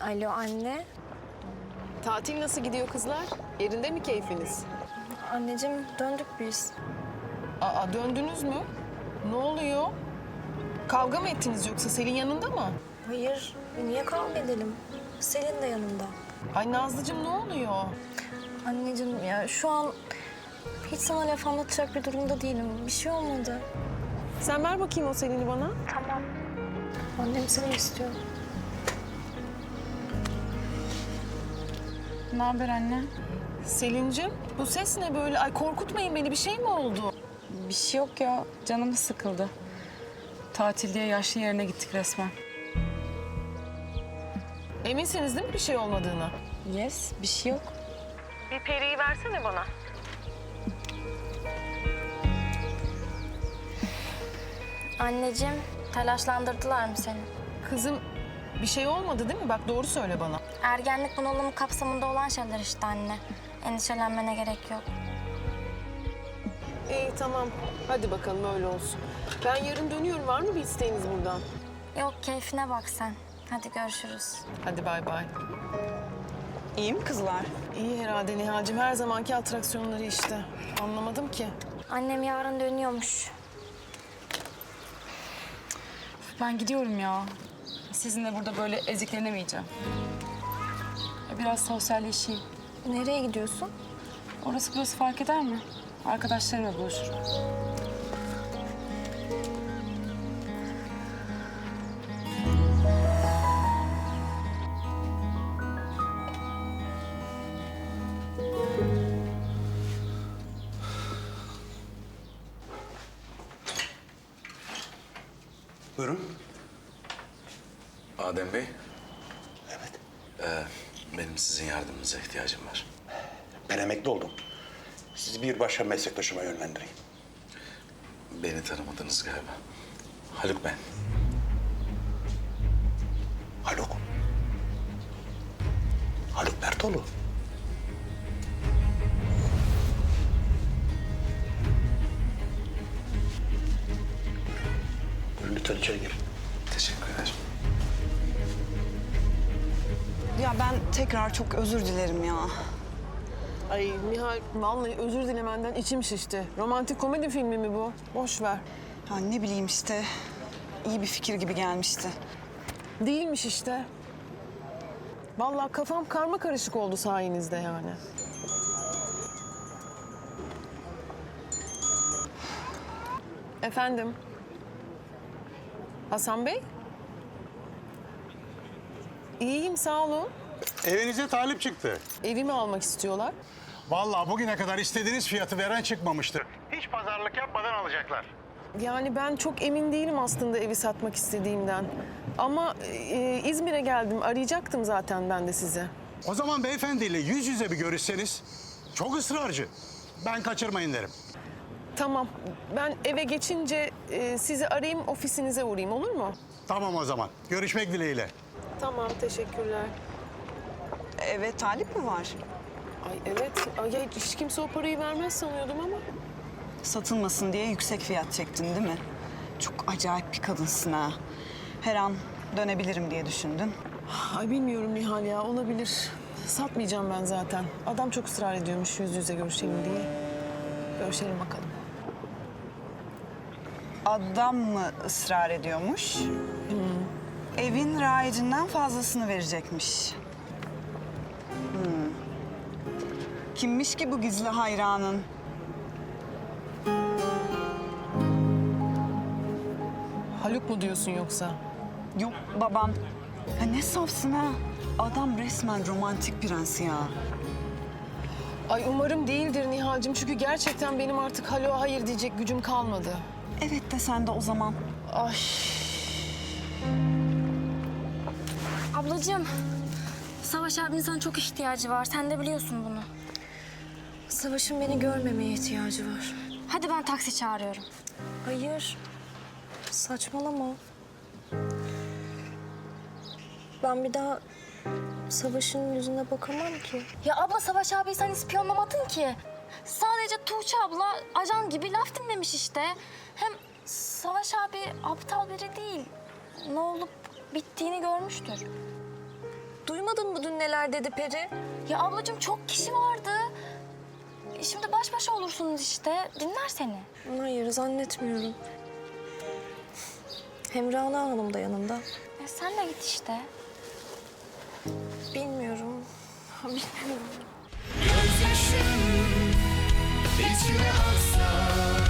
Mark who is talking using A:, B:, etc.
A: Alo anne.
B: Tatil nasıl gidiyor kızlar? Yerinde mi keyfiniz?
A: Anneciğim döndük biz.
B: Aa, döndünüz mü? Ne oluyor? Kavga mı ettiniz yoksa Selin yanında mı?
A: Hayır, niye kavga edelim? Selin de yanımda.
B: Ay Nazlıcığım ne oluyor?
A: Anneciğim ya şu an hiç sana laf anlatacak bir durumda değilim. Bir şey olmadı.
B: Sen ver bakayım o Selin'i bana.
A: Tamam. Annem seni istiyor.
C: Ne haber anne?
B: Selin'cim bu ses ne böyle? Ay korkutmayın beni, bir şey mi oldu?
C: Bir şey yok ya. Canım sıkıldı. Tatil diye yaşlı yerine gittik resmen.
B: Eminsiniz değil mi bir şey olmadığını?
C: Yes, bir şey yok.
B: Bir periyi versene bana.
A: Anneciğim telaşlandırdılar mı seni?
B: Kızım bir şey olmadı değil mi? Bak doğru söyle bana.
A: Ergenlik bunalımı kapsamında olan şeyler işte anne. Endişelenmene gerek yok.
B: İyi tamam. Hadi bakalım öyle olsun. Ben yarın dönüyorum. Var mı bir isteğiniz buradan?
A: Yok keyfine bak sen. Hadi görüşürüz.
B: Hadi bay bay.
C: İyi mi kızlar?
B: İyi herhalde Nihal'cim. Her zamanki atraksiyonları işte. Anlamadım ki.
A: Annem yarın dönüyormuş.
C: Ben gidiyorum ya. Sizinle burada böyle eziklenemeyeceğim. Biraz sosyalleşeyim.
A: Nereye gidiyorsun?
C: Orası burası fark eder mi? Arkadaşlarımla buluşurum.
D: Buyurun.
E: Adem Bey,
D: Evet.
E: benim sizin yardımınıza ihtiyacım var.
D: Ben emekli oldum. Sizi bir başka meslektaşıma yönlendireyim.
E: Beni tanımadınız galiba. Haluk ben.
D: Haluk. Haluk Bertoğlu. Buyurun lütfen içeri girin.
E: Teşekkür ederim.
F: Ya ben tekrar çok özür dilerim ya.
B: Ay Nihal vallahi özür dilemenden içim şişti. Romantik komedi filmi mi bu? Boş ver.
F: Ya ne bileyim işte iyi bir fikir gibi gelmişti.
B: Değilmiş işte. Vallahi kafam karma karışık oldu sayenizde yani. Efendim? Hasan Bey? İyiyim sağ olun.
G: Evinize talip çıktı.
B: Evimi almak istiyorlar.
G: Vallahi bugüne kadar istediğiniz fiyatı veren çıkmamıştı. Hiç pazarlık yapmadan alacaklar.
B: Yani ben çok emin değilim aslında evi satmak istediğimden. Ama İzmir'e geldim. Arayacaktım zaten ben de sizi.
G: O zaman beyefendiyle yüz yüze bir görüşseniz. Çok ısrarcı. Ben kaçırmayın derim.
B: Tamam. Ben eve geçince sizi arayayım, ofisinize uğrayayım olur mu?
G: Tamam o zaman. Görüşmek dileğiyle.
B: Tamam, teşekkürler.
F: Evet talip mi var?
B: Ay evet. Ay, ya hiç kimse o parayı vermez sanıyordum ama.
F: Satılmasın diye yüksek fiyat çektin değil mi? Çok acayip bir kadınsın ha. Her an dönebilirim diye düşündün.
B: Ay bilmiyorum Nihal ya, olabilir. Satmayacağım ben zaten. Adam çok ısrar ediyormuş yüz yüze görüşelim diye. Görüşelim bakalım.
F: Adam mı ısrar ediyormuş? Evin rayicinden fazlasını verecekmiş. Kimmiş ki bu gizli hayranın?
B: Haluk mu diyorsun yoksa?
F: Yok babam. Ya ne safsın ha? Adam resmen romantik prens ya.
B: Ay umarım değildir Nihal'cığım. Çünkü gerçekten benim artık Haluk'a hayır diyecek gücüm kalmadı.
F: Evet de sen de o zaman.
B: Ay.
A: Ablacığım, Savaş abinin sana çok ihtiyacı var. Sen de biliyorsun bunu. Savaş'ın beni görmemeye ihtiyacı var. Hadi ben taksi çağırıyorum. Hayır. Saçmalama. Ben bir daha Savaş'ın yüzüne bakamam ki. Ya abla Savaş abi sen ispiyonlamadın ki. Sadece Tuğçe abla ajan gibi laf dinlemiş işte. Hem Savaş abi aptal biri değil. Ne olup bittiğini görmüştür. Duymadın mı dün neler dedi Peri? Ya ablacığım çok kişi vardı. Şimdi baş başa olursunuz işte. Dinler seni.
B: Hayır, zannetmiyorum. Hem Rana Hanım da yanında.
A: Sen de git işte.
B: Bilmiyorum. Bilmiyorum.
H: Gözyaşım içime aksa